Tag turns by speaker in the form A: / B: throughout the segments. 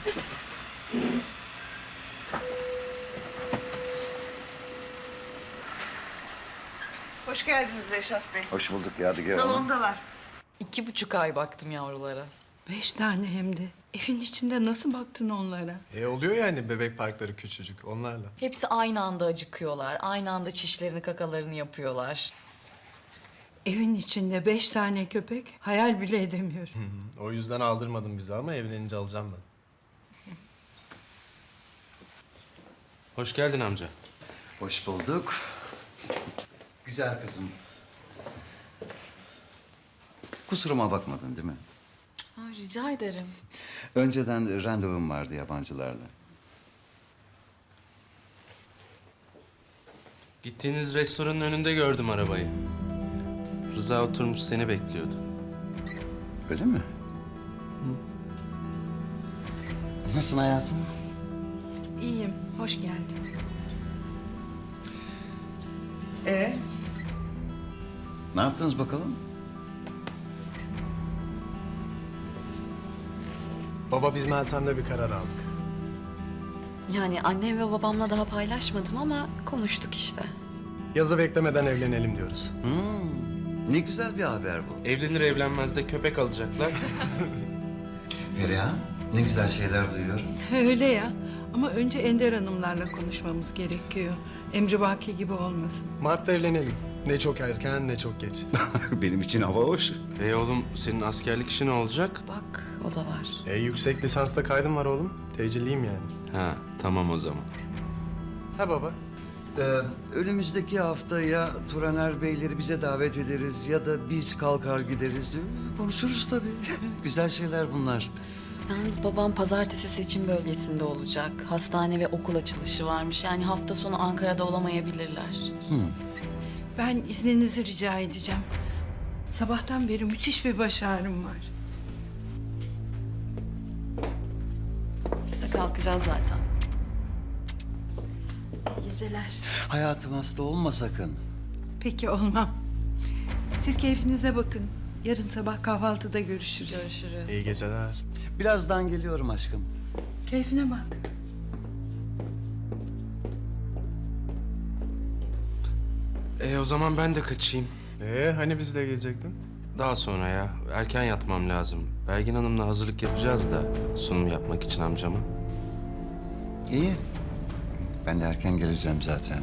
A: Hoş geldiniz Reşat Bey.
B: Hoş bulduk Yadigar Hanım.
A: Salondalar.
C: 2,5 ay baktım yavrulara.
D: 5 tane hem de. Evin içinde nasıl baktın onlara?
E: Oluyor yani bebek parkları küçücük onlarla.
C: Hepsi aynı anda acıkıyorlar. Aynı anda çişlerini, kakalarını yapıyorlar.
D: Evin içinde 5 tane köpek hayal bile edemiyorum.
E: O yüzden aldırmadım bizi ama evlenince alacağım ben.
F: Hoş geldin amca.
B: Hoş bulduk. Güzel kızım. Kusuruma bakmadın değil mi?
C: Rica ederim.
B: Önceden randevum vardı yabancılarla.
F: Gittiğiniz restoranın önünde gördüm arabayı. Rıza oturmuş seni bekliyordu.
B: Öyle mi? Nasılsın hayatım?
D: İyiyim, hoş geldin.
B: Ne yaptınız bakalım?
E: Baba biz Meltem'le bir karar aldık.
C: Yani annem ve babamla daha paylaşmadım ama konuştuk işte.
E: Yazı beklemeden evlenelim diyoruz.
B: Ne güzel bir haber bu.
F: Evlenir evlenmez de köpek alacaklar.
B: Feriha, ne güzel şeyler duyuyorum.
D: Öyle ya. Ama önce Ender Hanımlarla konuşmamız gerekiyor. Emri Baki gibi olmasın.
E: Mart'ta evlenelim. Ne çok erken ne çok geç.
B: Benim için hava hoş.
F: Oğlum senin askerlik işi ne olacak?
C: Bak o da var.
E: Yüksek lisansta kaydım var oğlum. Tecilliyim yani.
F: Ha tamam o zaman.
E: Ha baba.
B: Önümüzdeki hafta ya Turaner Beyleri bize davet ederiz ya da biz kalkar gideriz. Konuşuruz tabii. Güzel şeyler bunlar.
C: Yalnız babam pazartesi seçim bölgesinde olacak. Hastane ve okul açılışı varmış. Yani hafta sonu Ankara'da olamayabilirler.
D: Ben izninizi rica edeceğim. Sabahtan beri müthiş bir baş ağrım var.
C: Biz de kalkacağız zaten.
D: İyi geceler.
B: Hayatım hasta olma sakın.
D: Peki olmam. Siz keyfinize bakın. Yarın sabah kahvaltıda görüşürüz.
C: Görüşürüz.
E: İyi geceler.
B: Birazdan geliyorum aşkım.
D: Keyfine bak.
F: O zaman ben de kaçayım.
E: Hani biz de gelecektin?
F: Daha sonra ya. Erken yatmam lazım. Belgin Hanım'la hazırlık yapacağız da sunum yapmak için amcama.
B: İyi. Ben de erken geleceğim zaten.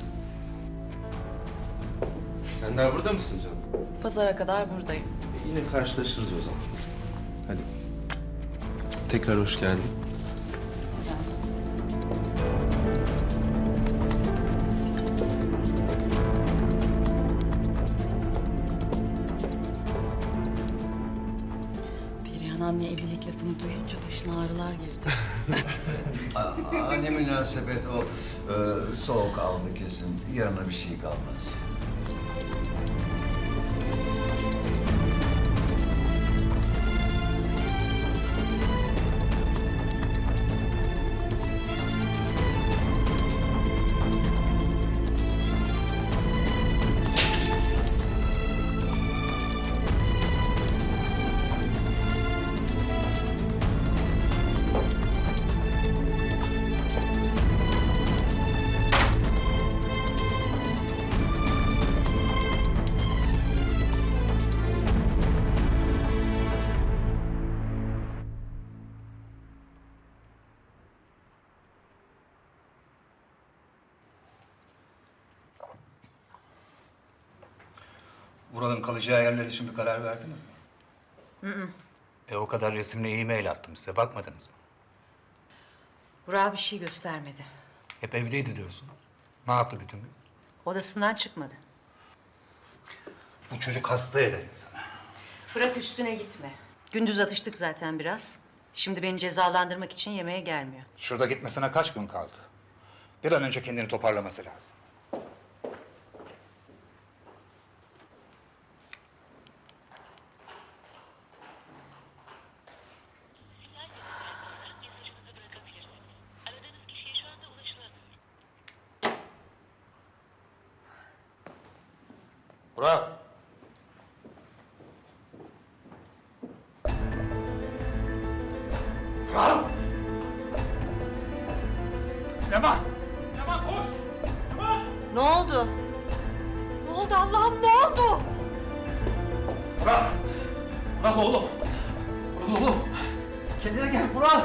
F: Sen daha burada mısın canım?
C: Pazara kadar buradayım.
F: Yine karşılaşırız o zaman. Hadi. Tekrar hoş geldin.
C: Perihan anne evlilik lafını duyunca başına ağrılar girdi.
B: Ne münasebet o. Soğuk aldı kesin. Yarına bir şey kalmaz.
G: Buranın kalacağı yerler için bir karar verdiniz mi? O kadar resimle e-mail attım size. Bakmadınız mı?
A: Burak bir şey göstermedi.
G: Hep evdeydi diyorsun. Ne yaptı bütün gün?
A: Odasından çıkmadı.
G: Bu çocuk hasta eder insanı.
A: Bırak üstüne gitme. Gündüz atıştık zaten biraz. Şimdi beni cezalandırmak için yemeğe gelmiyor.
G: Şurada gitmesine kaç gün kaldı? Bir an önce kendini toparlaması lazım.
F: Burak.
G: Burak!
H: Leman! Leman koş! Leman!
A: Ne oldu? Ne oldu Allah'ım, ne oldu?
H: Vural! Vural oğlum! Vural oğlum! Kendine gel Vural!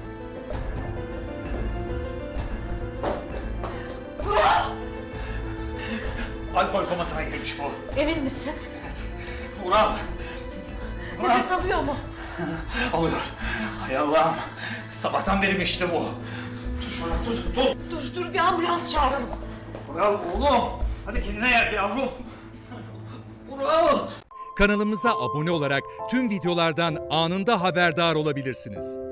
A: Vural!
H: Alkol komasına girmiş bu.
A: Emin misin?
H: Vural!
A: Nefes alıyor mu?
H: Alıyor. Hay Allah'ım. Sabahtan beri işte bu. Tut şunu, tut.
A: Dur bir ambulans çağıralım.
H: Vural oğlum. Hadi kendine gel yavrum. Vural.
I: Kanalımıza abone olarak tüm videolardan anında haberdar olabilirsiniz.